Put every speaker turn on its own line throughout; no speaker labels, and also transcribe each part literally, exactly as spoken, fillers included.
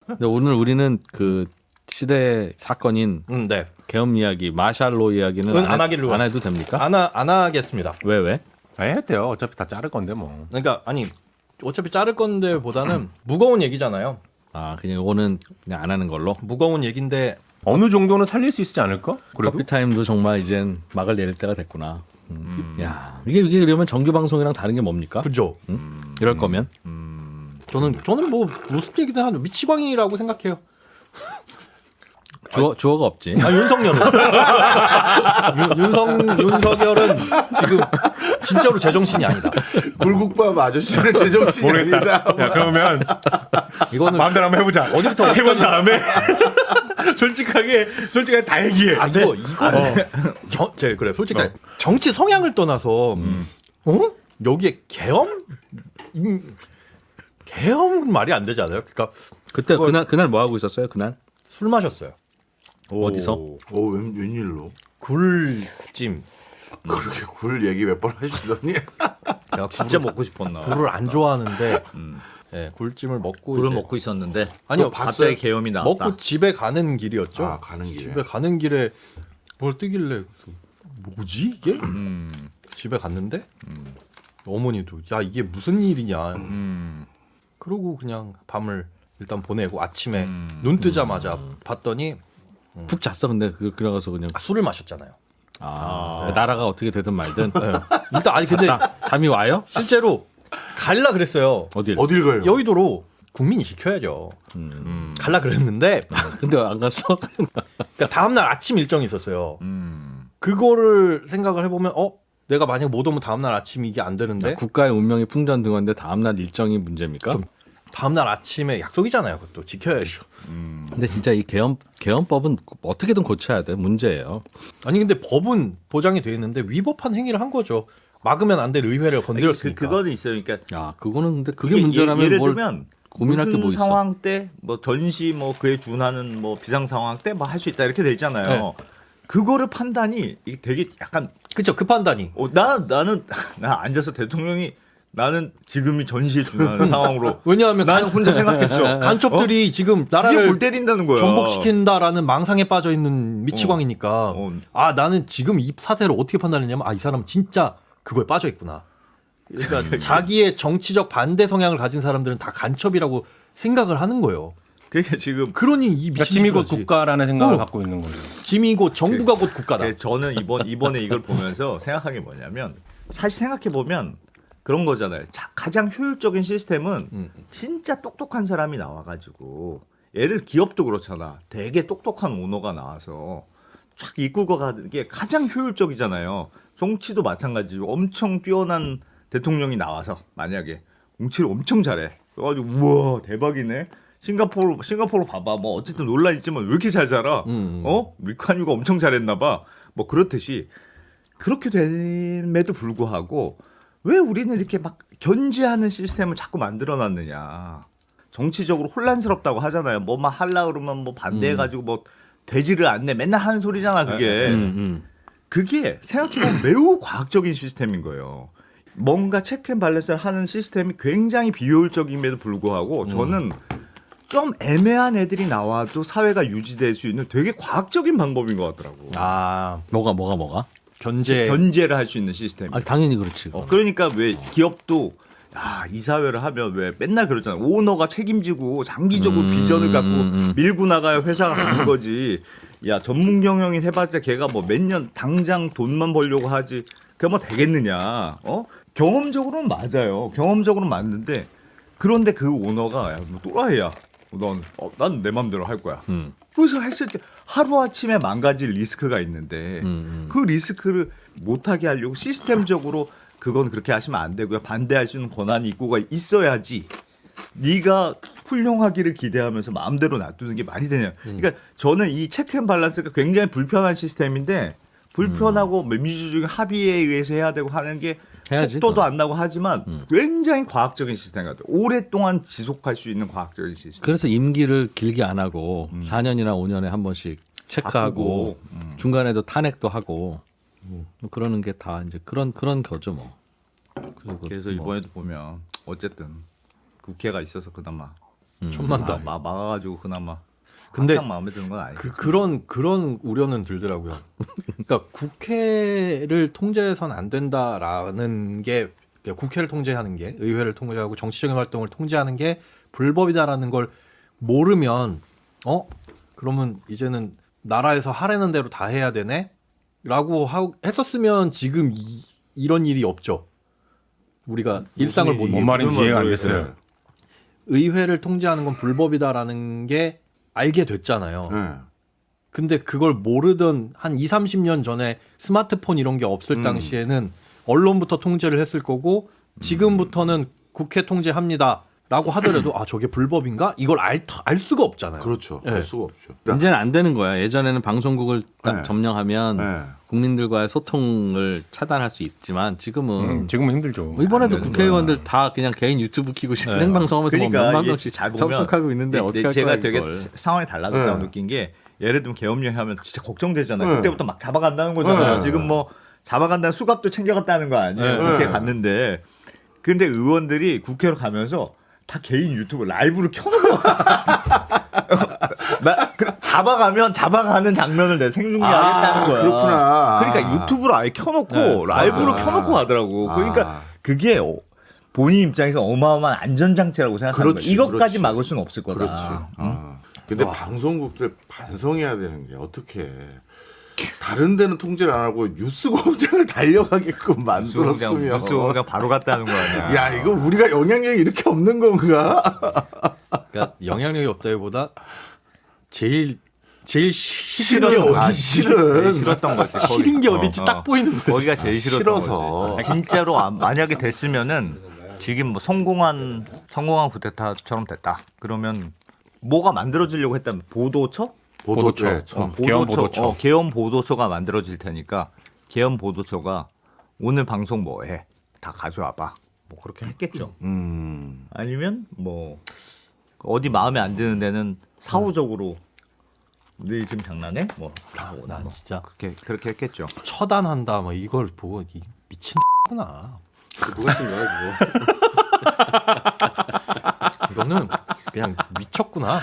근데 오늘 우리는 그 시대 사건인
음, 네.
계엄 이야기, 마샬로 이야기는
안
안, 해,
하기로
안 해도 됩니까?
안, 하, 안 하겠습니다.
왜 왜?
아, 해야 돼요. 어차피 다 자를 건데 뭐.
그러니까 아니 어차피 자를 건데 보다는 무거운 얘기잖아요.
아 그냥 이거는 그냥 안 하는 걸로.
무거운 얘기인데
어느 정도는 살릴 수 있지 않을까? 그래도
커피 타임도 정말 이젠 막을 내릴 때가 됐구나. 음. 야 이게 이게 그러면 정규 방송이랑 다른 게 뭡니까?
그죠.
음? 이럴 거면
저는 저는 뭐 로스트 얘기도 하는 미치광이라고 생각해요.
주어 주어가 없지.
아 윤석열은 윤, 윤석 윤석열은 지금 진짜로 제정신이 아니다.
굴국밥 아저씨는 제정신이
모르겠다.
아니다.
야 그러면
이거는
마음대로 한번 해보자.
어디부터
해본 다음에 솔직하게 솔직하게 다 얘기해.
아 이거 이거 정, 제 그래 솔직히
어.
정치 성향을 떠나서 어 여기에 계엄 음, 계엄은 말이 안 되지 않아요? 그러니까
그때
그걸-
그날 그날 뭐 하고 있었어요? 그날
술 마셨어요.
어디서?
오, 웬, 웬일로?
굴찜.
그렇게 굴 얘기 몇 번 하시더니
제가
진짜 먹고 싶었나?
굴을 안 좋아하는데 예, 굴찜을 먹고
굴을
이제
먹고 있었는데
아니요,
갑자기
봤어요?
계엄이 나왔다.
먹고 집에 가는 길이었죠.
아 가는 길에.
집에 가는 길에 뭘 뜨길래 뭐지 이게?
음,
집에 갔는데 어머니도 야 이게 무슨 일이냐.
음,
그러고 그냥 밤을 일단 보내고 아침에
음.
눈 뜨자마자 봤더니
푹 잤어. 근데 그 그래가서 그냥
아, 술을 마셨잖아요.
아, 나라가 어떻게 되든 말든
네. 일단 아니 근데
자, 잠이 와요?
실제로 갈라 그랬어요.
어딜?
어딜 가요?
여의도로 국민이 지켜야죠.
음.
갈라 그랬는데
근데 안 갔어?
그러니까 다음날 아침 일정이 있었어요.
음.
그거를 생각을 해보면 어 내가 만약 못 오면 다음날 아침 이게 안 되는데
국가의 운명이 풍전등화인데 다음날 일정이 문제입니까?
좀- 다음날 아침에 약속이잖아요. 그것도 지켜야죠.
근데 진짜 이 계엄 계엄법은 어떻게든 고쳐야 돼. 문제예요.
아니 근데 법은 보장이 돼 있는데 위법한 행위를 한 거죠. 막으면 안 될 의회를
그,
건드렸으니까.
그거는 있어요. 그러니까
야, 그거는 근데 그게
이게
문제라면
예, 예를
뭘
들면
고민할 게
무슨
뭐 있어?
상황 때 뭐 전시 뭐 그에 준하는 뭐 비상 상황 때 뭐 할 수 있다 이렇게 돼 있잖아요.
네.
그거를 판단이 이게 되게 약간
그쵸 그 판단이.
어, 나 나는 나 앉아서 대통령이 나는 지금이 전시에 준하는 상황으로
왜냐하면
나는
간,
혼자 생각했어.
간첩들이 지금
이게
나라를
골 때린다는 거야.
전복시킨다라는 망상에 빠져 있는 미치광이니까
어.
아 나는 지금 이 사태를 어떻게 판단했냐면 아 이 사람은 진짜 그거에 빠져 있구나. 그러니까 자기의 정치적 반대 성향을 가진 사람들은 다 간첩이라고 생각을 하는 거예요.
그게 지금
그러니 이
그러니까
미친
짐이 곧
짓을 하지.
국가라는 생각을
어.
갖고 있는 거죠.
짐이 곧 정부가 곧 국가다.
네, 저는 이번 이번에 이걸 보면서 생각한 게 뭐냐면 사실 생각해 보면 그런 거잖아요. 자, 가장 효율적인 시스템은
음.
진짜 똑똑한 사람이 나와가지고 예를 기업도 그렇잖아. 되게 똑똑한 오너가 나와서 쫙 이끌고 가는 게 가장 효율적이잖아요. 정치도 마찬가지고 엄청 뛰어난 대통령이 나와서 만약에 정치를 엄청 잘해. 그래가지고 우와 대박이네. 싱가포르 싱가포르 봐봐. 뭐 어쨌든 논란 있지만 왜 이렇게 잘 살아?
음.
어? 밀칸유가 엄청 잘했나봐. 뭐 그렇듯이 그렇게 됨에도 불구하고 왜 우리는 이렇게 막 견제하는 시스템을 자꾸 만들어놨느냐. 정치적으로 혼란스럽다고 하잖아요. 뭐 막 하려 그러면 뭐 반대해가지고 뭐 되지를 않네. 맨날 하는 소리잖아 그게.
음, 음.
그게 생각해보면 매우 과학적인 시스템인 거예요. 뭔가 체크앤밸런스를 하는 시스템이 굉장히 비효율적임에도 불구하고 저는 좀 애매한 애들이 나와도 사회가 유지될 수 있는 되게 과학적인 방법인 것 같더라고.
아
뭐가 뭐가 뭐가?
견제.
견제를 할 수 있는 시스템.
아, 당연히 그렇지.
어, 그러니까 왜 기업도 야, 이 사회를 하면 왜 맨날 그러잖아. 오너가 책임지고 장기적으로
음,
비전을 갖고
음, 음.
밀고 나가야 회사가 가는 거지. 야, 전문 경영인 해봤자 걔가 뭐 몇 년 당장 돈만 벌려고 하지. 그게 뭐 되겠느냐. 어? 경험적으로는 맞아요. 경험적으로는 맞는데 그런데 그 오너가 야, 뭐 또라이야. 넌, 어, 난 내 맘대로 할 거야.
음.
그래서 했을 때 하루아침에 망가질 리스크가 있는데
음, 음.
그 리스크를 못하게 하려고 시스템적으로 그건 그렇게 하시면 안 되고요. 반대할 수 있는 권한이 있고가 있어야지. 네가 훌륭하기를 기대하면서 마음대로 놔두는 게 말이 되냐. 그러니까 저는 이 체크앤밸런스가 굉장히 불편한 시스템인데 불편하고 민주주의 합의에 의해서 해야 되고 하는 게
해야지,
속도도
그거.
안 나고 하지만 굉장히 과학적인 시스템 같아요. 오랫동안 지속할 수 있는 과학적인 시스템.
그래서 임기를 길게 안 하고 사 년이나 오 년에 한 번씩 체크하고
바꾸고, 음.
중간에도 탄핵도 하고 뭐 그러는 게 다 이제 그런 그런 거죠 뭐. 그리고
그래서
뭐
이번에도 보면 어쨌든 국회가 있어서 그나마
천만
아,
단.
막 막아가지고 그나마.
근데
한창 마음에 드는 건 아니죠.
그 그런 그런 우려는 들더라고요. 그러니까 국회를 통제해서는 안 된다라는 게 그러니까 국회를 통제하는 게 의회를 통제하고 정치적인 활동을 통제하는 게 불법이다라는 걸 모르면 어 그러면 이제는 나라에서 하라는 대로 다 해야 되네라고 하고 했었으면 지금 이, 이런 일이 없죠. 우리가 일상을 못
뭔 말인지 이해가 안
모르겠어요.
됐어요.
의회를 통제하는 건 불법이다라는 게 알게 됐잖아요.
네.
근데 그걸 모르던 한 이삼십 년 전에 스마트폰 이런 게 없을
음.
당시에는 언론부터 통제를 했을 거고 지금부터는 국회 통제합니다. 라고 하더라도 아 저게 불법인가? 이걸 알, 알 수가 없잖아요.
그렇죠.
네.
알 수가 없죠.
이제는 안 되는 거야. 예전에는 방송국을 딱
네.
점령하면
네.
국민들과의 소통을 차단할 수 있지만 지금은
음, 지금은 힘들죠.
이번에도
안 되는
국회의원들 다 그냥 개인 유튜브 키고 생방송하면서 뭐 몇만
이게
명씩
잘 보면
접속하고 있는데
네,
어떻게
네,
할
제가
거야
되게
이걸.
상황이 달라졌다고
네.
느낀 게 예를 들면 계엄령 하면 진짜 걱정되잖아요.
네.
그때부터 막 잡아간다는 거잖아요.
네.
지금 뭐 잡아간다는 수갑도 챙겨갔다는 거 아니에요.
네.
국회
네.
갔는데 근데 의원들이 국회로 가면서 다 개인 유튜브 라이브를 켜놓고 나 그, 잡아가면 잡아가는 장면을 내 생중계하겠다는 거야.
그렇구나.
그러니까 유튜브로 아예 켜놓고
네,
라이브로
맞아.
켜놓고 하더라고. 그러니까
아.
그게 어, 본인 입장에서 어마어마한 안전장치라고 생각하는
그렇지,
거야. 이것까지
그렇지.
막을 수는 없을 거다.
그렇지. 아. 근데 방송국들 반성해야 되는 게 어떻게 다른 데는 통제를 안 하고 뉴스 공장을 달려가게끔 만들었으면
뉴스공장 바로 갔다는 거 아니야.
야 이거 우리가 영향력이 이렇게 없는 건가?
그러니까 영향력이 없다기보다 제일 제일 시-
싫은
싫은 게
게 어디
어디
싫은
제일 싫었던 거지. 거기.
싫은 게
어,
어디지
어.
딱 보이는 거예요.
거기가 제일 싫었던
싫어서.
거지. 진짜로 아, 만약에 됐으면은 지금 뭐 성공한 성공한 쿠데타처럼 됐다. 그러면 뭐가 만들어지려고 했다면 보도처?
보도처.
보도처.
처.
어. 계엄 보도처.
어, 계엄 보도처가 만들어질 테니까 계엄 보도처가 오늘 방송 뭐해? 다 가져와봐. 뭐 그렇게 했겠죠.
음.
아니면 뭐 어디 마음에 안 드는 데는 사후적으로 너 지금 장난해? 뭐 다 오나
난
뭐
진짜
그렇게 그렇게 했겠죠.
처단한다 뭐 이걸 보고 이 미친 구나.
누가 쓴 거야 그거?
이거는 그냥 미쳤구나.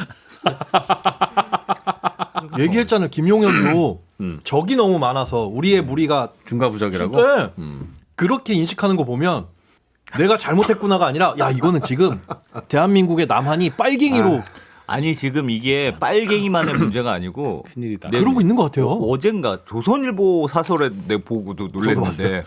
얘기했잖아요. 김용현도
음.
적이 너무 많아서 우리의 무리가
중과부적이라고?
네.
음.
그렇게 인식하는 거 보면 내가 잘못했구나가 아니라 야 이거는 지금 대한민국의 남한이 빨갱이로
아니 지금 이게 빨갱이만의 문제가 아니고
큰일이다.
네.
그러고 있는 것 같아요.
어, 어젠가 조선일보 사설에 내 보고도 놀랐는데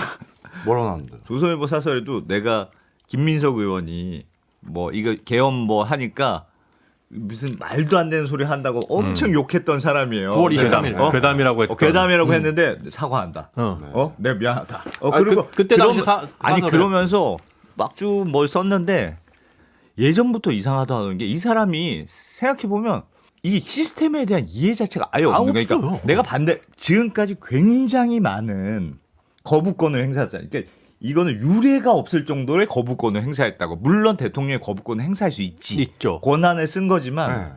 뭐라 나는데?
조선일보 사설에도 내가 김민석 의원이 뭐 이거 계엄 뭐 하니까 무슨 말도 안 되는 소리 한다고 엄청 욕했던 사람이에요.
구월
내가,
이십삼 일.
어?
괴담이라고 했던.
어, 괴담이라고 했는데 사과한다.
어.
어, 내 미안하다. 어,
아,
그리고
그- 그때 당시
그러면-
사-
아니
사설에.
그러면서 막주 뭘 썼는데 예전부터 이상하다는 게 이 사람이 생각해 보면 이 시스템에 대한 이해 자체가 아예
아,
없는 거야. 그러니까
없어요.
내가 반대 지금까지 굉장히 많은 거부권을 행사했잖아요. 그러니까 이거는 유례가 없을 정도의 거부권을 행사했다고. 물론 대통령이 거부권을 행사할 수 있지.
있죠.
권한을 쓴 거지만
네.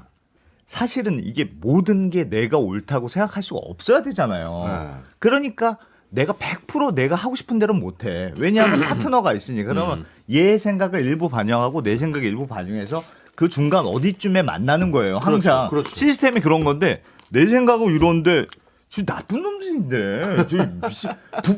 사실은 이게 모든 게 내가 옳다고 생각할 수가 없어야 되잖아요.
네.
그러니까 내가 백 퍼센트 내가 하고 싶은 대로 못해. 왜냐하면 파트너가 있으니까. 그러면 얘 생각을 일부 반영하고 내 생각을 일부 반영해서 그 중간 어디쯤에 만나는 거예요. 항상
그렇죠, 그렇죠.
시스템이 그런 건데 내 생각은 이런데 저 나쁜 놈들인데 저 미친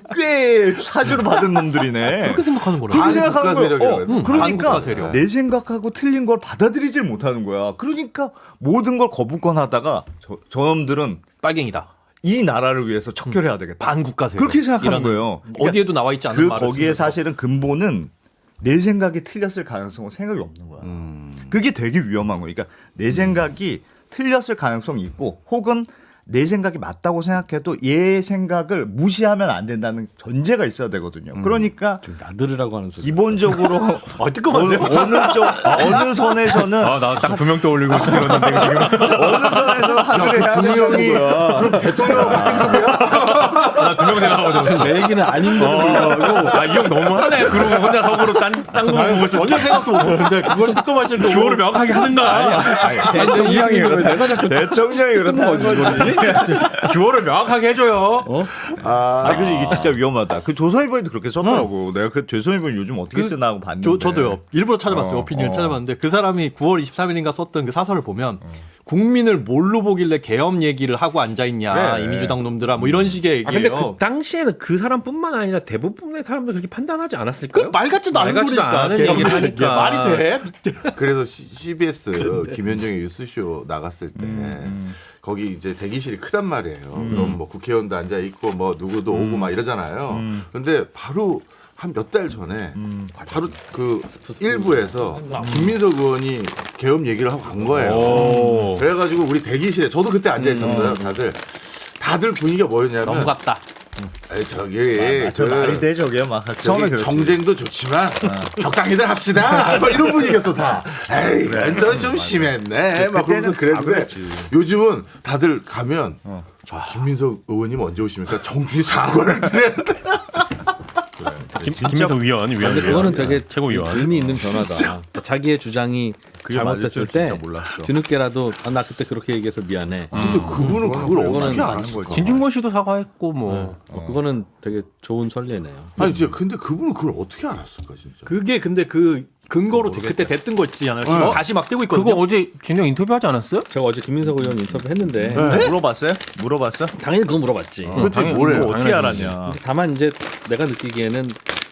북괴 사주를 받은 놈들이네.
그렇게 생각하는 거라.
그렇게
반국가
생각하는 거예요.
세력이라고
어,
그랬나?
그러니까
반국가 세력.
내 생각하고 틀린 걸 받아들이질 못하는 거야. 그러니까 모든 걸 거부권 하다가 저, 저놈들은
빨갱이다.
이 나라를 위해서 척결해야 되겠다.
반국가 세력.
그렇게 생각하는
이라는
거예요. 그러니까
어디에도 나와 있지 않은
그
말을
거기에
쓰면서.
사실은 근본은 내 생각이 틀렸을 가능성은 생각이 없는 거야.
음.
그게 되게 위험한 거야. 그러니까 내 생각이 틀렸을 가능성이 있고 혹은 내 생각이 맞다고 생각해도 얘 생각을 무시하면 안 된다는 전제가 있어야 되거든요. 그러니까
좀 나들으라고 하는 소리.
기본적으로
아, 뜨끔하세요?
어느, 어느 쪽 어느 선에서는
아, 나 딱 두 명 떠올리고 싶었는데 지금.
어느 선에서 하늘을 해야 된다는 거야.
그럼 대통령 같은 거야?
나 두 명 생각하고
내 얘기는 아닌데도 불구하고
아, 이 형 너무하네. 그러고 혼자 속으로 딴딴거 보고 있어.
전혀 생각도 못 하는데 그걸 뜨끔하실 거
주어를 명확하게 하든가.
대통령이 그렇다. 대통령이 그렇다는 거지.
주어를 명확하게 해줘요.
어?
아,
아, 근데 이게 진짜 위험하다. 그 조선일보에도 그렇게 썼더라고. 내가 그 조선일보 요즘 어떻게
그
쓰나 하고 봤는데.
저, 저도요. 일부러 찾아봤어요.
어,
오피니언
어.
찾아봤는데 그 사람이 구월 이십삼일인가 썼던 그 사설을 보면 국민을 뭘로 보길래 계엄 얘기를 하고 앉아 있냐
그래.
이민주당 놈들아 뭐 이런 식의
아 근데
얘기예요.
그 당시에는 그 사람뿐만 아니라 대부분의 사람들 그렇게 판단하지 않았을까요?
말 같지도 않은
말 같지도
소리니까
않은
계엄
얘기를
얘기.
하니까.
말이 돼?
그래서 씨비에스 김현정의 뉴스쇼 나갔을 때
음,
거기 이제 대기실이 크단 말이에요. 그럼 뭐 국회의원도 앉아 있고 뭐 누구도 오고 막 이러잖아요.
음.
근데 바로 한 몇 달 전에
음.
바로 그 일부에서 김민석 의원이 계엄 얘기를 하고 간 거예요.
오.
그래가지고 우리 대기실에 저도 그때 앉아 있었어요. 다들 다들 분위기가 뭐였냐면
너무 같다.
아니, 저기
아, 저
그
말이 돼 저게 막 처음에
저기
그랬지.
정쟁도 좋지만 적당히들 합시다. 막 이런 분위기였어 다. 에이, 이건 또좀 심했네. 막 그러면서
그때는 다
그랬는데
그랬지.
요즘은 다들 가면
어.
자 김민석 의원님 언제 오십니까? 정준이 사과를 드려야 돼.
김, 김민석 위원, 위원.
근데 그거는 되게
최고위원.
의미 있는 변화다. 그러니까 자기의 주장이
그게
잘못됐을
맞을
때
줄 진짜 몰랐어.
뒤늦게라도 아, 나 그때 그렇게 얘기해서 미안해.
근데 그분은 그걸
그거는
어떻게
아는
알았을까?
진중권 씨도 사과했고 뭐.
어, 그거는 되게 좋은 선례네요.
아니 진짜 근데 그분은 그걸 어떻게 알았을까 진짜?
그게 근데 그 근거로 그때 됐던 거 있잖아요. 지금
어.
다시 막 뜨고 있거든요.
그거 어제 진영 인터뷰하지 않았어요?
제가 어제 김민석 의원 인터뷰 했는데
네.
물어봤어요? 물어봤어?
당연히 그거 물어봤지.
어,
그때
당연히
뭐래요?
뭐,
어떻게
당연하지.
알았냐?
근데 다만 이제 내가 느끼기에는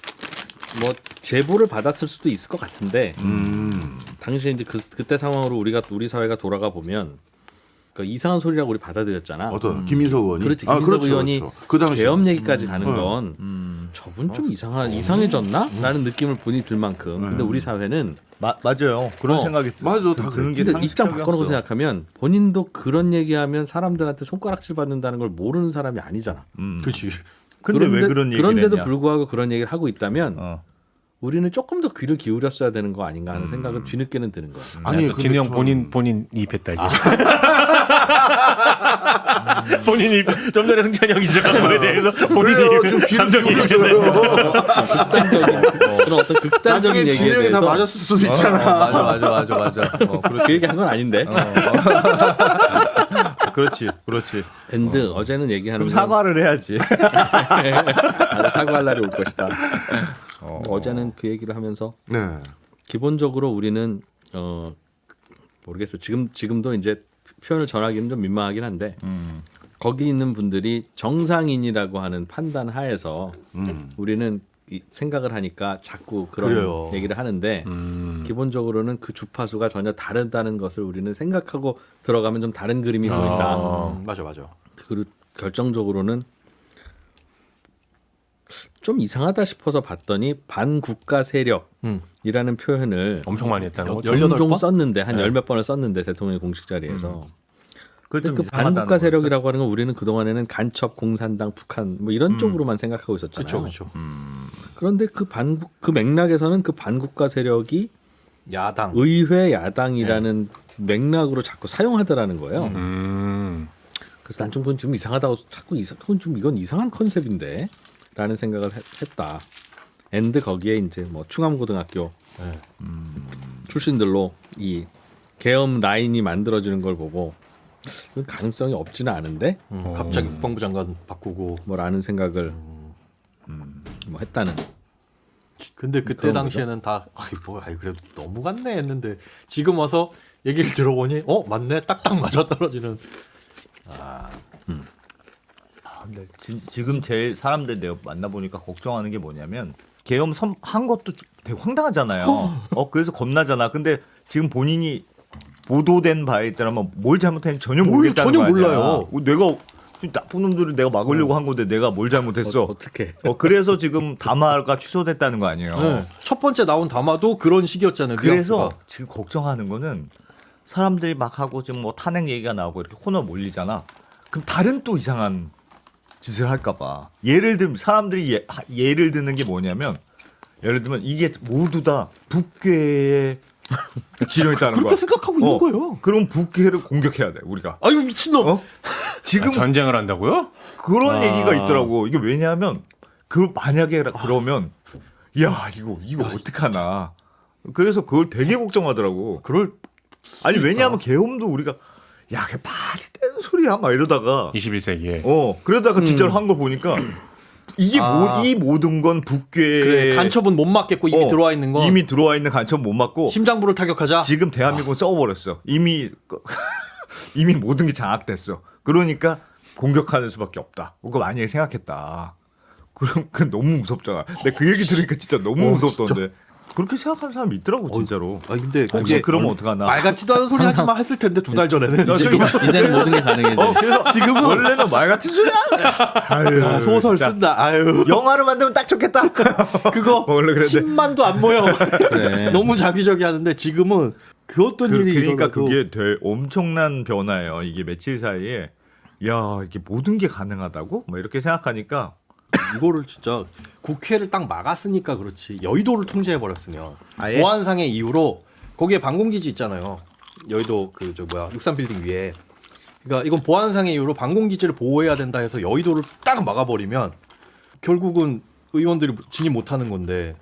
뭐 제보를 받았을 수도 있을 것 같은데
음.
당시에 이제 그 그때 상황으로 우리가 우리 사회가 돌아가 보면 그 이상한 소리라고 우리 받아들였잖아.
어떤 김민석 의원이?
그렇지
아,
김민석
그렇죠,
의원이
그렇죠. 그 당시
계엄 얘기까지 가는
음.
건
음.
저분 좀 이상한 이상해졌나?라는 느낌을 본이 들 만큼. 근데 우리 사회는
마, 맞아요. 그런
어.
생각이 드-
맞아, 다
드는 게
근데 입장
상식적이었어.
바꿔놓고 생각하면 본인도 그런 얘기하면 사람들한테 손가락질 받는다는 걸 모르는 사람이 아니잖아.
음.
그렇지.
근데 왜
그런데-
그런 얘기를
그런데도
했냐?
불구하고 그런 얘기를 하고 있다면
어.
우리는 조금 더 귀를 기울였어야 되는 거 아닌가 하는
음.
생각은 뒤늦게는 드는 거야.
아니
또
근데
진영
저는-
본인 본인 이입했다 이제. 본인이 좀 전에 승찬이 형이 지적한 거에 대해서 본인이
그래요, 좀 귀를
감정이
기울여줘요.
극단적인 그런 어떤 극단적인
나중에
얘기에
진영이 다
대해서
맞았을 수도
어,
있잖아.
어, 맞아 맞아 맞아 맞아. 어,
그
그렇지.
얘기 한 건 아닌데.
어, 어. 그렇지 그렇지.
앤드 어. 제는 얘기하는
그럼
건
사과를 해야지.
아주 사과할 날이 올 것이다.
어.
어제는 그 얘기를 하면서
네.
기본적으로 우리는 어 모르겠어. 지금 지금도 이제 표현을 전하기는 좀 민망하긴 한데
음.
거기 있는 분들이 정상인이라고 하는 판단 하에서
음.
우리는 이 생각을 하니까 자꾸 그런
그래요.
얘기를 하는데
음.
기본적으로는 그 주파수가 전혀 다르다는 것을 우리는 생각하고 들어가면 좀 다른 그림이 보인다.
아.
음, 맞아 맞아.
그리고 결정적으로는 좀 이상하다 싶어서 봤더니 반국가 세력이라는
음.
표현을
엄청 많이 했다는 거죠.
열여덟
종종
번?
썼는데 한
네.
열 몇 번을 썼는데 대통령 공식 자리에서
그게
근데
좀
그
이상하다는
반국가
거였어?
세력이라고 하는 건 우리는 그 동안에는 간첩, 공산당, 북한 뭐 이런
음.
쪽으로만 생각하고 있었잖아요.
그렇죠 그렇죠.
그런데 그 반국 그 맥락에서는 그 반국가 세력이
야당.
의회 야당이라는 맥락으로 자꾸 사용하더라는 거예요.
음.
그래서 난 좀 그건 좀 이상하다고 자꾸 이상 그건 좀 이건 이상한 컨셉인데라는 생각을 했, 했다. 앤드 거기에 이제 뭐 충암고등학교
네.
출신들로 이 계엄 라인이 만들어지는 걸 보고 그건 가능성이 없지는 않은데
음, 갑자기 국방부 장관 바꾸고.
뭐라는 생각을 뭐 했다는.
근데 그때
그런
당시에는 다 아이 뭐 아이 그래도 너무 같네 했는데 지금 와서 얘기를 들어보니 어 맞네 딱딱 맞아 떨어지는.
아, 근데 지, 지금 제일 사람들 내가 만나보니까 걱정하는 게 뭐냐면 계엄 섬, 한 것도 되게 황당하잖아요. 어 그래서 겁나잖아. 근데 지금 본인이 보도된 바에 따르면 뭘 잘못했는지 전혀
뭘
모르겠다는
전혀
거 아니야.
몰라요.
어, 내가 나쁜 놈들을 내가 막으려고 한 건데 내가 뭘 잘못했어.
어, 어떻게?
어, 그래서 지금 담화가 취소됐다는 거 아니에요.
네. 첫 번째 나온 담화도 그런 식이었잖아요.
그래서
뉘앙스가.
지금 걱정하는 거는 사람들이 막 하고 지금 뭐 탄핵 얘기가 나오고 이렇게 코너 몰리잖아. 그럼 다른 또 이상한 짓을 할까 봐. 예를 들면 사람들이 예, 하- 예를 드는 게 뭐냐면 예를 들면 이게 모두 다 북괴의 지령이다는 거야.
그렇게 생각하고 있는
어,
거예요.
그럼 북괴를 공격해야 돼 우리가.
아유 미친놈.
어? 지금
아, 전쟁을 한다고요?
그런
아.
얘기가 있더라고. 이게 왜냐하면 그 만약에 그러면 야 이거 이거 어떡하나. 그래서 그걸 되게 걱정하더라고.
그럴
아니 왜냐하면 계엄도 우리가 야, 그게 말이 되는 소리야 막 이러다가
이십일 세기에
어 그러다가 진짜로 한 거 보니까 이게
아.
모, 이 모든 건 북괴
그래, 간첩은 못 맞겠고 이미
어,
들어와 있는 건
이미 들어와 있는 간첩 못 맞고
심장부를 타격하자.
지금 대한민국은 썩어버렸어. 이미 이미 모든 게 장악됐어. 그러니까 공격하는 수밖에 없다. 그거 만약에 생각했다. 그럼 그 너무 무섭잖아. 근데 그 얘기 들으니까 진짜 너무
어,
무섭던데. 그렇게 생각하는 사람이 있더라고 진짜로.
아 근데
혹시
그게
그러면 어떡하나?
말 같지도 않은 소리 하지만 했을 텐데 두 달 전에는 지금
이제는 모든 게 가능해져.
어, 그래서 지금은 원래는 말 같은 소리야. 아유,
아, 소설
진짜.
쓴다. 아유
영화를 만들면 딱 좋겠다.
그거
원래 그랬는데.
십만도 안 모여.
그래.
너무 자기적이 하는데 지금은 그 어떤
그,
일이
그러니까
일어나도
그게 되 엄청난 변화예요. 이게 며칠 사이에 야 이게 모든 게 가능하다고? 뭐 이렇게 생각하니까
이거를 진짜 국회를 딱 막았으니까 그렇지 여의도를 통제해 버렸으면
아예?
보안상의 이유로 거기에 방공기지 있잖아요. 여의도 그 저 뭐야 육삼 빌딩 위에. 그러니까 이건 보안상의 이유로 방공기지를 보호해야 된다 해서 여의도를 딱 막아버리면 결국은 의원들이 진입 못하는 건데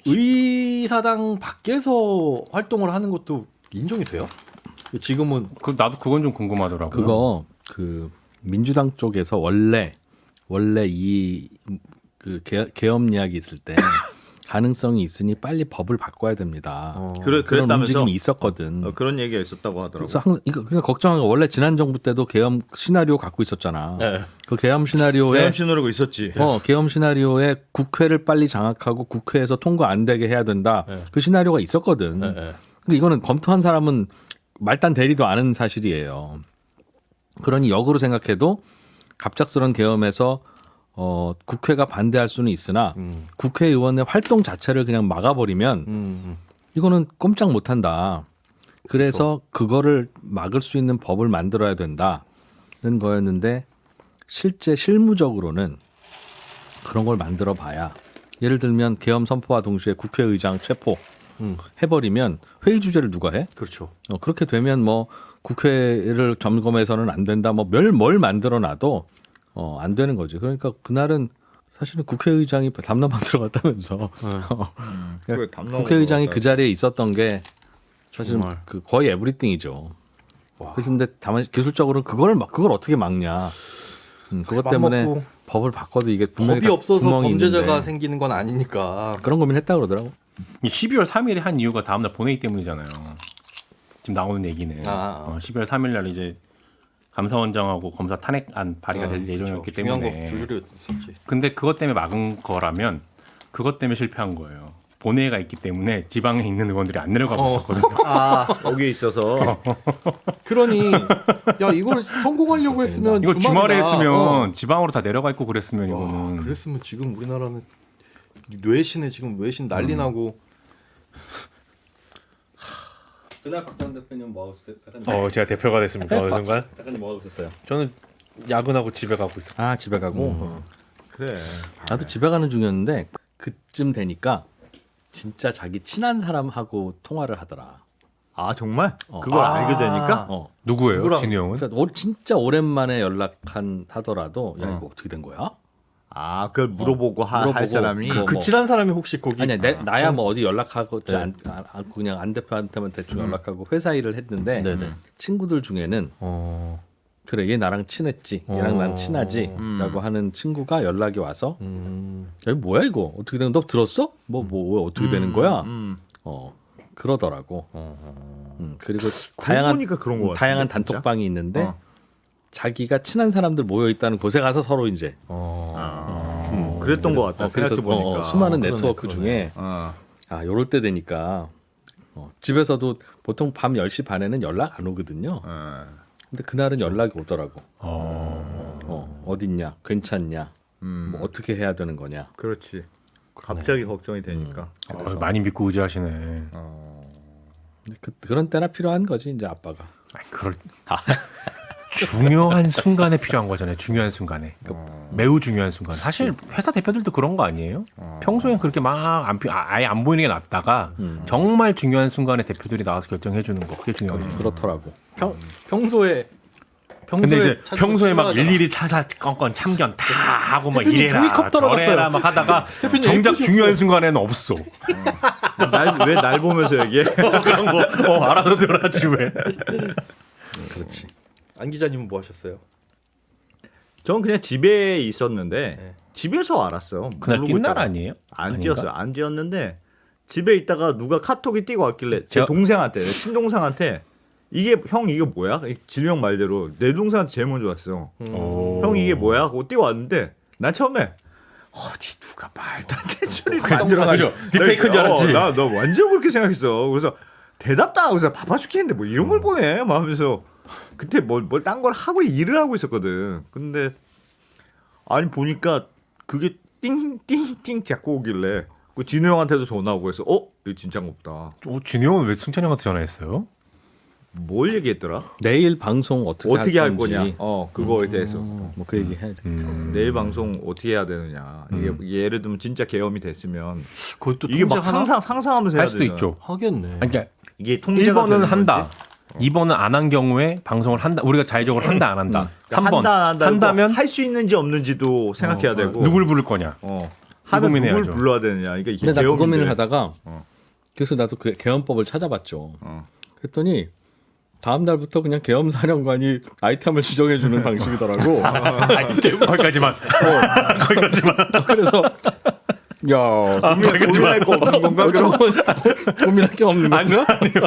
의사당 밖에서 활동을 하는 것도 인정이 돼요? 지금은
그 나도 그건 좀 궁금하더라고요.
그거 그 민주당 쪽에서 원래 원래 이 그 계엄 이야기 있을 때 가능성이 있으니 빨리 법을 바꿔야 됩니다.
어.
그래
그런
그랬다면서
움직임이 있었거든.
어, 그런 얘기가 있었다고 하더라고.
그래서 항상 이거 그냥 걱정한 거 원래 지난 정부 때도 계엄 시나리오 갖고 있었잖아.
네.
그 계엄 시나리오에
계엄 신호라고 있었지.
어, 계엄 시나리오에 국회를 빨리 장악하고 국회에서 통과 안 되게 해야 된다.
네.
그 시나리오가 있었거든.
네, 네.
근데 이거는 검토한 사람은 말단 대리도 않은 사실이에요. 그러니 역으로 생각해도 갑작스런 계엄에서 어, 국회가 반대할 수는 있으나
음.
국회의원의 활동 자체를 그냥 막아버리면
음.
이거는 꼼짝 못한다. 그래서 그거를 막을 수 있는 법을 만들어야 된다는 거였는데 실제 실무적으로는 그런 걸 만들어 봐야 예를 들면 계엄 선포와 동시에 국회의장 체포
음.
해버리면 회의 주제를 누가 해?
그렇죠.
어, 그렇게 되면 뭐 국회를 점검해서는 안 된다. 뭐 뭘 뭘 만들어 놔도 어, 안 되는 거지. 그러니까 그날은 사실은 국회의장이 담론만 들어갔다면서 어,
그래, 담론으로
국회의장이
들어갔다.
그 자리에 있었던 게 사실은
정말.
그 거의 에브리띵이죠. 그런데 다만 기술적으로는 그걸 막 그걸 어떻게 막냐. 음, 그것 때문에
맘먹고
법을 바꿔도 이게 분명히
법이
다
없어서
구멍이
범죄자가
있는데
생기는 건 아니니까.
그런 고민했다 그러더라고.
이 십이월 삼일에 한 이유가 다음날 본회의 때문이잖아요. 지금 나오는 얘기는
아, 아.
어, 십이월 삼일날 이제 감사원장하고 검사 탄핵안 발의가 될 예정이었기
그렇죠. 중요한
때문에.
거 줄줄이 있었지.
근데 그것 때문에 막은 거라면 그것 때문에 실패한 거예요. 본회의가 있기 때문에 지방에 있는 의원들이 안 내려가고
어.
있었거든요.
아,
거기에 있어서
그러니 야 이걸 성공하려고 했으면
이거 주말에
주말이나,
했으면
어.
지방으로 다 내려가 있고 그랬으면
와,
이거는
그랬으면 지금 우리나라는 뇌신에 지금 외신 난리 나고.
그날 박상 대표님 뭐 하고 있었어요?
어 제가 대표가 됐습니까 어느 순간?
작가님 뭐 하고 있었어요?
저는 야근하고 집에 가고 있어요.
아 집에 가고 어.
그래.
나도 집에 가는 중이었는데 그쯤 되니까 진짜 자기 친한 사람하고 통화를 하더라.
아 정말?
어.
그걸
아.
알게 되니까
어.
누구예요?
누구랑?
진우 형은?
그러니까 오- 진짜 오랜만에 연락한 하더라도 야
어.
이거 어떻게 된 거야?
아 그걸 물어보고 하,
물어보고
할 사람이
그-
그
뭐.
친한 사람이 혹시 거기
아니야 내, 나야 뭐 어디 연락하고
네.
안, 안, 그냥 안 대표한테만 대충 연락하고 회사 일을 했는데
네네.
친구들 중에는
어.
그래 얘 나랑 친했지 얘랑
어.
난 친하지라고
음.
하는 친구가 연락이 와서
음.
야, 뭐야 이거 어떻게 된? 너 들었어? 뭐 뭐 어떻게 되는 거야?
음.
어 그러더라고.
어.
음, 그리고
그러고
다양한
보니까 그런 거 같은데,
다양한
진짜?
단톡방이 있는데
어.
자기가 친한 사람들 모여 있다는 곳에 가서 서로 이제
어.
아,
음,
그랬던 것 같다.
어, 그래서
생각해 보니까.
어, 수많은
그러네,
네트워크
그러네.
중에
어.
아 요럴 때 되니까 어, 집에서도 보통 밤 열 시 반에는 연락 안 오거든요.
어.
근데 그날은 연락이 오더라고.
어...
어, 어딨냐? 괜찮냐?
음.
뭐 어떻게 해야 되는 거냐?
그렇지. 갑자기 걱정이 되니까.
어, 많이 믿고 의지하시네.
어.
그, 그런 때나 필요한 거지 이제 아빠가.
아니, 그럴 중요한 순간에 필요한 거잖아요. 중요한 순간에. 매우 중요한 순간. 사실 회사 대표들도 그런 거 아니에요? 평소엔 그렇게 막안 아예 안 보이는 게 낫다가 정말 중요한 순간에 대표들이 나와서 결정해 주는 거. 그게 중요하죠.
그렇더라고.
평 평소에
근데
평소에
이제
찾는 거
평소에 막
싫어하잖아.
일일이 차사 건건 참견 다 하고 막
대표님
이래라
종이컵 떨어졌어요.
저래라 막 하다가
대표님
정작
예쁘셨어요.
중요한 순간에는 없어.
날왜 날 보면서 얘기해?
그런 거 어, 알아듣더라지 왜.
그렇지.
안 기자님은 뭐 하셨어요?
저는 그냥 집에 있었는데
네.
집에서 알았어요.
그날
모르고
뛴 날
있다가.
아니에요?
안
아닌가?
뛰었어요. 안 뛰었는데 집에 있다가 누가 카톡이 뛰고 왔길래 제
제가-
동생한테, 내 친동생한테 이게 형 이게 뭐야? 진우 형 말대로 내 동생한테 제일 먼저 왔어.
오.
형 이게 뭐야? 하고 뛰어 왔는데 난 처음에 어디 누가 말도 안 되는 소리를
그죠?
만들어가지고
딥페이크인 줄 알았지.
나 너 완전 그렇게 생각했어. 그래서 대답도 안 하고 그래서 바빠 죽겠는데 뭐 이런 걸 보내? 막 하면서 그때 뭘뭘 딴 걸 하고 일을 하고 있었거든. 근데 아니 보니까 그게 띵띵띵 자꾸 오길래 그 진우 형한테도 전화 오고 해서 어 이거 진짜가 없다.
어, 진우 형은 왜 승찬이 형한테 전화했어요?
뭘 얘기했더라?
내일 방송 어떻게,
어떻게 할
건지,
거냐? 어 그거에 대해서
뭐 그 얘기 해야 돼.
음.
내일 방송 어떻게 해야 되느냐? 이게, 이게 예를 들면 진짜 계엄이 됐으면
그것도
이게 막
통제하나?
상상 상상하면서 해야
할 수도
되잖아.
있죠.
하겠네.
아니, 그러니까
이게 통제가
일 번은
되는
한다.
건지.
이 번은 안 한 경우에 방송을 한다. 우리가 자의적으로 한다 안 한다. 삼 번
한다 안 한다
한다면
할 수 있는지 없는지도 생각해야
어,
되고
누굴 부를 거냐.
어 하면 누굴
고민해야죠.
불러야 되느냐. 이게 이게
근데 나 그
계엄인데.
고민을 하다가
어.
그래서 나도 그 계엄법을 찾아봤죠.
어.
그랬더니 다음 날부터 그냥 계엄 사령관이 아이템을 지정해 주는 방식이더라고.
거기까지만. 거기까지만.
그래서 야
고민, 고민할 거 없는 건가? 그럼
고민할 게 없는 거죠?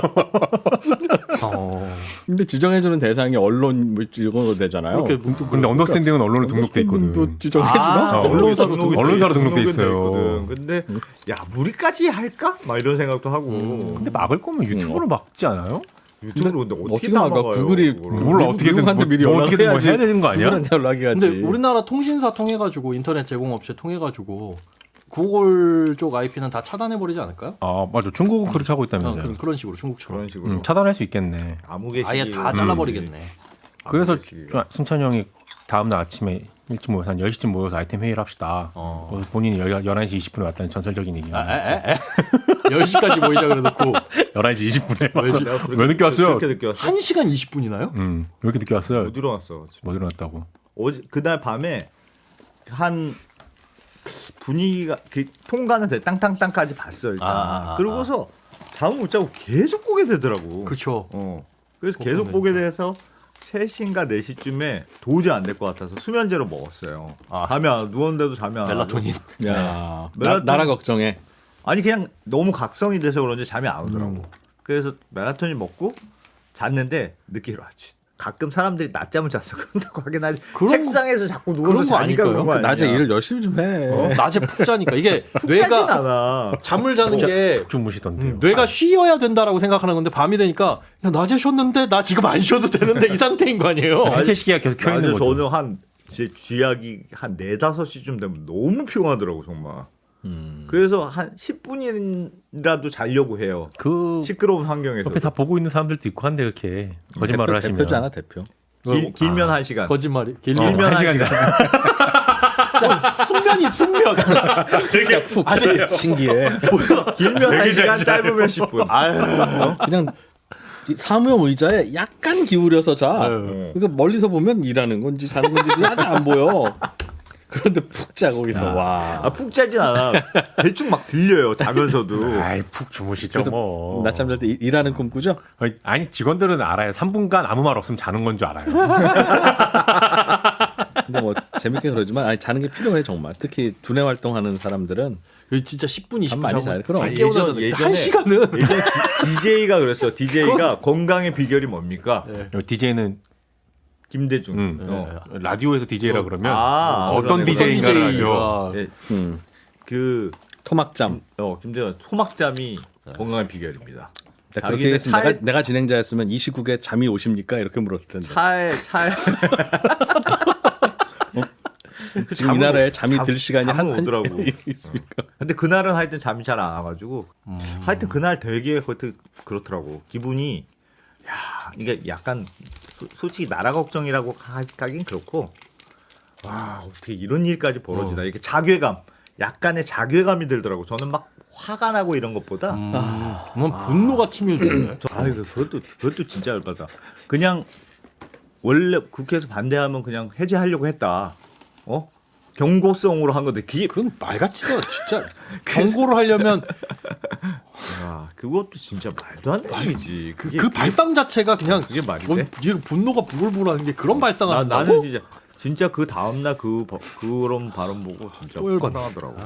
어.
근데 지정해 주는 대상이 언론 뭐 이런 거 되잖아요.
그렇게
근데 언더스탠딩은 언론에 등록돼 있거든.
도 지정해 주나?
아,
어,
언론사로
등록이
등록-
언론사로
돼-
등록돼
등록은
있어요.
있거든. 근데 야 우리까지 할까? 막 이런 생각도 하고
근데 막을 거면 유튜브로 막지 않아요?
유튜브로 근데 어떻게
어떻게 나가?
막아요,
구글이
그거를?
몰라, 어떻게든
미국한테
뭐-
미리
뭐 어떻게든 뭐
연락해야지.
해야 되는 거 아니야?
구글한테 연락이 가지.
근데 우리나라 통신사 통해 가지고 인터넷 제공업체 통해 가지고 구글 쪽 아이피는 다 차단해 버리지 않을까요?
아 맞아. 중국은 그렇게 하고
어,
있다면서요.
그런, 그런 식으로 중국처럼
그런 식으로
음, 차단할 수 있겠네.
아무개식
아예 다 잘라버리겠네.
그래서
아무개식.
좀 승찬이 형이 다음 날 아침에 일찍 모여서 한 열 시쯤 모여서 아이템 회의를 합시다.
어.
그래서 본인이 열한 시 이십 분에 왔다는 전설적인 얘기.
아, 에, 에, 에? 열 시까지 모이자 그래놓고
열한 시 이십 분에
내가
와서
그렇게-
왜 늦게 왔어요?
그렇게 늦게 왔어?
한 시간 이십 분이나요?
음, 왜 이렇게 늦게 왔어요?
못 일어났어.
뭐 일어났다고?
어제 그날 밤에 한 분위기가 그 통과는 돼 땅땅땅까지 봤어 일단.
아, 아, 아,
그러고서 잠을 못 자고 계속 보게 되더라고.
그렇죠.
어. 그래서
그거
계속
보면
보게
진짜.
돼서 세 시인가 네 시쯤에 도저히 안 될 것 같아서 수면제로 먹었어요.
아.
잠이 안 누웠는데도 잠이 안
멜라토닌.
와가지고.
야, 나,
멜라토닌-
나라 걱정해.
아니 그냥 너무 각성이 돼서 그런지 잠이 안 오더라고.
음.
그래서 멜라토닌 먹고 잤는데 늦게 일어났지. 가끔 사람들이 낮잠을 잤어. 그런다고 하긴 하지.
그런
책상에서 자꾸 누워서
그런 거
자니까
아닐까요?
그런 거 아니야.
낮에 일을 열심히 좀 해.
어? 낮에 푹 자니까 이게
하진
뇌가
않아.
잠을 자는 게
주무시던데요.
음, 뇌가 쉬어야 된다라고 생각하는 건데 밤이 되니까 야, 낮에 쉬었는데 나 지금 안 쉬어도 되는데 이 상태인 거 아니에요?
생체 시계가 계속 켜 있는
낮에
거죠.
저는 한 제 쥐약이 한 네다섯 시쯤 되면 너무 피곤하더라고 정말.
음.
그래서 한 십 분이라도 자려고 해요.
그
시끄러운 환경에서.
옆에 다 보고 있는 사람들도 있고 한데 그렇게 거짓말을
대표,
하시면
대표잖아 대표.
길, 길면 한 시간.
거짓말이.
길면
길면
한 시간.
숙면이 숙면.
진짜 푹
아니
신기해.
길면 한 시간, 짧으면 십 분.
그냥 이 사무용 의자에 약간 기울여서 자.
아유.
그러니까 멀리서 보면 일하는 건지 자는 건지 하나도 안 보여. 그런데 푹 자 거기서 와.
아, 푹 자진 않아. 대충 막 들려요. 자면서도.
아이 푹 주무시죠
그래서
뭐.
낮잠 잘 때 일하는 꿈 꾸죠?
아니, 아니 직원들은 알아요. 삼 분간 아무 말 없으면 자는 건 줄 알아요.
근데 뭐 재밌게 그러지만 아니 자는 게 필요해 정말. 특히 두뇌 활동하는 사람들은
여기 진짜 십 분 이십
잠
분
많이
자고
자요. 그럼.
안 깨어나서
예전- 예전에-
한 시간은
예전 디제이가 그랬어. 디제이가 건강의 비결이 뭡니까?
디제이는
김대중.
음,
어.
라디오에서 디제이라 그러면
아,
어떤
그러네.
디제이인가를
어떤
하죠.
디제이가.
예,
음,
그
토막잠.
어, 김대중 소막잠이 건강의 비결입니다.
자, 그렇게
자기는
했으면
차에-
내가, 내가 진행자였으면 이 시국에 잠이 오십니까? 이렇게 물었을 텐데.
차에 차에 그
지금 이
잠은-
나라에 잠이
잠-
들 시간이
잠은
한 한-
오더라고.
있습니까?
근데 그날은 하여튼 잠이 잘 안 와가지고 하여튼 그날 되게 그것도 그렇더라고. 기분이 야 이게 약간 소, 솔직히 나라 걱정이라고 하- 하긴 그렇고 와 어떻게 이런 일까지 벌어지나 이렇게 자괴감 약간의 자괴감이 들더라고. 저는 막 화가 나고 이런 것보다
음, 뭐 분노가 치밀던데.
아 이거 그것도 그것도 진짜 열받아. 그냥 원래 국회에서 반대하면 그냥 해제하려고 했다. 어? 경고성으로 한 건데 그게
그건 말 같지도 않아, 진짜. 경고를 하려면
아, 그 그것도 진짜 말도 안 되는 일이지.
그,
그게
그 발상 자체가 그냥
그게 말이
원-
돼?
이게 분노가 부글부글하는 게 그런 발상을
나,
한다고?
나는 진짜 진짜 그 다음 날그 그런 발언 보고 진짜
또 열받네.
황당하더라고.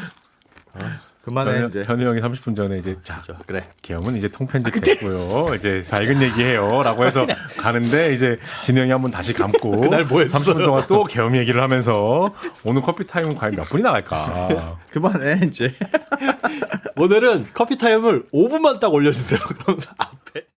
그만해
현우,
이제.
현우 형이 삼십 분 전에 이제 자
자, 그래.
계엄은 이제 통편집 됐고요. 이제 밝은 얘기해요라고 해서 가는데 이제 진우 형이 한번 다시 감고
그날 뭐 했어요?
삼십 분 동안 또 계엄 얘기를 하면서 오늘 커피 타임은 과연 몇 분이 나갈까?
그만해 이제.
오늘은 커피 타임을 오 분만 딱 올려주세요. 그러면서 앞